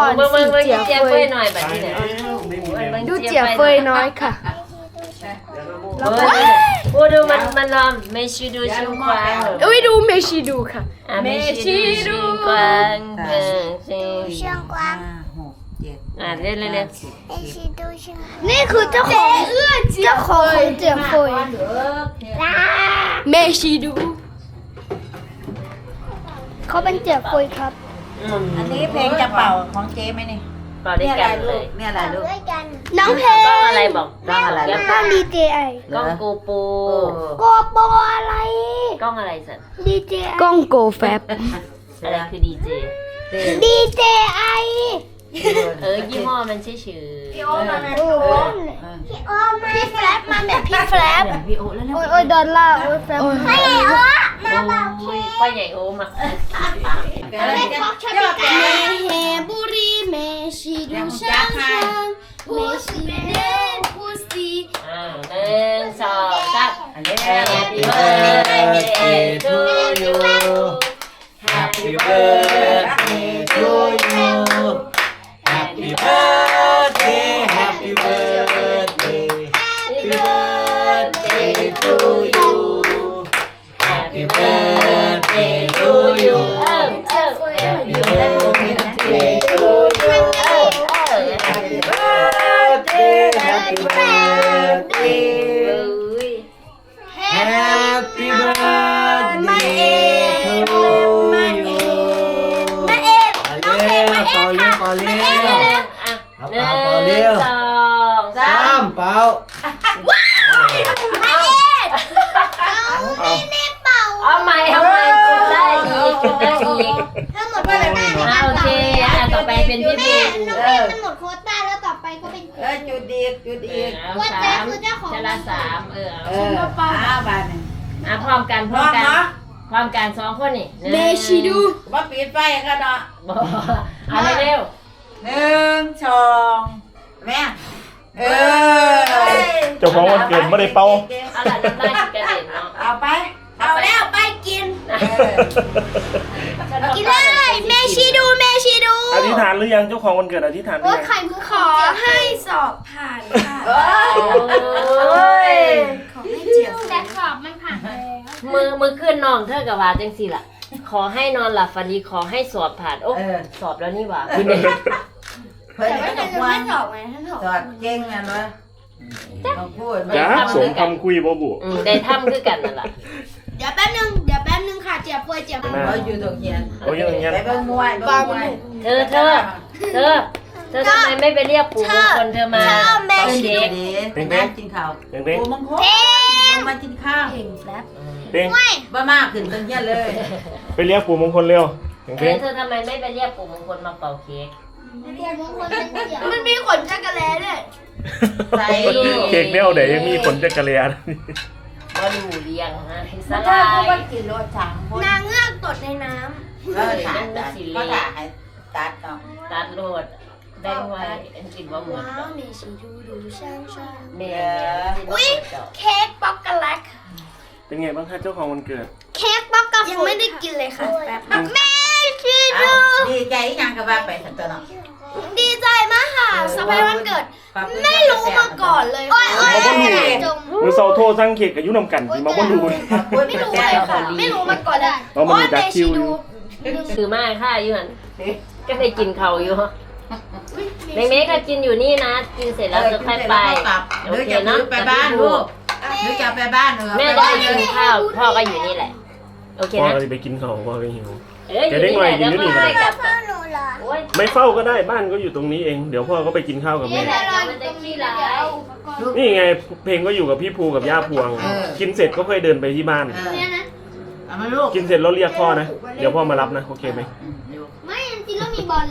อนสีเจียเฟยหน่อยแบบนี้เนี่ยดูเจียเฟยน้อยค่ะดูมันลองเมชิดูชิงควางอุ้ยดูเมชิดูค่ะเมชิดูควางเชียงกวางเล่นเมชิดูเชียงนี่คือเจ้าของเจียเฟยเมชิดูเขาเป็นเจียเฟยครับอันนี้เพลงจะเป่าของเจ๊ไหมนี่เป่าด้วยกันเลยเนี่ยอะไรลูกน้องเพลงกล้องอะไรบอกกล้องอะไรกล้องดีเจไอกล้องโกโปอะไรกล้องอะไรสันดีเจกล้องโกแฟบอะไรคือดีเจไอยี่ห้อมันชื่อพี่โอมาพี่แฟลปมาแบบพี่แฟลปพี่โอแล้วโอ้ยดอลลาร์โอ้ยแฟลปไม่โอ้มาเบาเค้กป้าใหญ่โอมาเฮบุรีเมชิดูช่างเมชิเดนพูซี 1 2 3 Happy birthday to you Happy birthday to you Happy birthday Happy birthday Happy birthday to you Happy birthday to you Happy birthday to you Happy birthday Happy birthday Happy birthday to you เป่าเร็ว 1 2 3 เป่าเอาใหม่จุดได้อีกทั้งหมดก็เลยโอเคต่อไปเป็นพี่บีทั้งหมดโควต้าแล้วต่อไปก็เป็นจุดอีกว่าแจ๊คือเจ้าของจะละ3 บาทพร้อมกัน2 คนนี่เมชิดูว่าปิดไฟกันเนาะเอาเร็ว 1 2แม่เจ้าของวันเกิดไม่ได้เป่าเอาล่ะน้ำลายกระเด็นเนาะเอาไปแล้วไปกินเลยเมชิดูอธิษฐานหรือยังเจ้าของวันเกิดอธิษฐานหรือยังขอให้สอบผ่านค่ะขอให้เจียบแต่สอบมันผ่านแล้วมือขึ้นน้องเธอกับว่าจังสิล่ะขอให้นอนหลับฝันดีขอให้สอบผ่านโอ้สอบแล้วนี่หว่าเพื่อนไม่ตกวันสอบไงท่านสอบเก่งไงวะต้องพูดจ้าสมคำคุยบ่บุได้ทำคือกันนั่นแหละเดี๋ยวแป๊บนึงค่ะเจียบอยู่ตรงเฮียนไปเบิ่งมวยเธอทำไมไม่ไปเรียกปู่มงคลเธอมาเด็กแม่กินข้าวปู่มงคลมากินข้าวบ้ามากขึ้นตรงเฮียนเลยไปเรียกปู่มงคลเร็วเธอทำไมไม่ไปเรียกปู่มงคลมาเป่าเค้กมันมีขนจักรแลด้วยเค้กเนี่ยเดี๋ยวยังมีขนจักรแลมาดูเลี้ยงฮะสลายนางเงือกตดในน้ำก็ถ่ายให้ตัดโลดได้ไว้กินว่าหมดเมชิดูช่างเมอุ้ยเค้กป๊อกโกแลตเป็นไงบ้างคะเจ้าของวันเกิดเค้กป๊อกโกแลตยังไม่ได้กินเลยค่ะแม่ชิดูดีใจยังกับว่าไปสันตัวเนาะดีใจมากค่ะสบายวันเกิดไม่รู้มาก่อนเลยมือเสาโทรสั่งเค้กกับยุ่นำกันที่มาบ่รู้ไม่รู้เลยค่ะไม่รู้มาก่อนเลยเพราะมันดักคิวอยู่คือมากค่ะยูหันก็ได้กินเขาอยู่เมฆก็กินอยู่นี่นะกินเสร็จแล้วจะค่อยไปโอเคเนาะไปบ้านลูกหรือจะไปบ้านแม่ได้กินข้าวพ่อก็อยู่นี่แหละโอเคนะพ่อก็ไปกินข้าวพ่อก็หิวจะได้ไงกินอยู่นี่ไม่เฝ้าก็ได้บ้านก็อยู่ตรงนี้เองเดี๋ยวพ่อก็ไปกินข้าวกับแม่นี่ไงเพลงก็อยู่กับพี่ภูกับย่าพวงกินเสร็จก็ค่อยเดินไปที่บ้านกินเสร็จแล้วเรียกพ่อนะเดี๋ยวพ่อมารับนะโอเคไหมไม่จริงๆแล้วมีบอล